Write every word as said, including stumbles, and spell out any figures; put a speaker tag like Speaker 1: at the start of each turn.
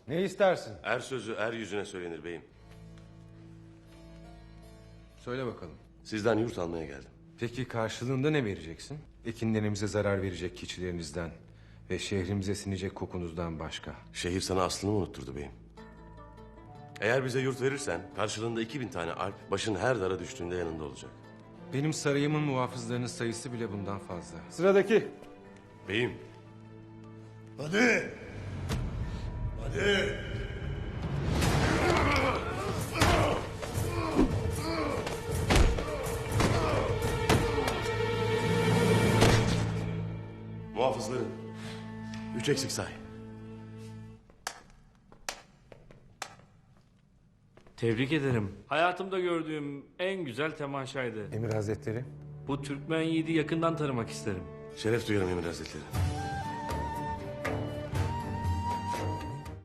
Speaker 1: Ne istersin?
Speaker 2: Er sözü er yüzüne söylenir beyim.
Speaker 1: Söyle bakalım.
Speaker 2: Sizden yurt almaya geldim.
Speaker 1: Peki karşılığında ne vereceksin? Ekinlerimize zarar verecek keçilerinizden ve şehrimize sinecek kokunuzdan başka.
Speaker 2: Şehir sana aslını unutturdu beyim. Eğer bize yurt verirsen karşılığında iki bin tane alp başın her dara düştüğünde yanında olacak.
Speaker 1: Benim sarayımın muhafızlarının sayısı bile bundan fazla.
Speaker 3: Sıradaki.
Speaker 2: Beyim.
Speaker 4: Hadi. Hadi.
Speaker 2: Muhafızların. Üç eksik say.
Speaker 5: Tebrik ederim. Hayatımda gördüğüm en güzel temaşaydı.
Speaker 1: Emir Hazretleri.
Speaker 5: Bu Türkmen yiğidi yakından tanımak isterim.
Speaker 2: Şeref duyarım Emir Hazretleri.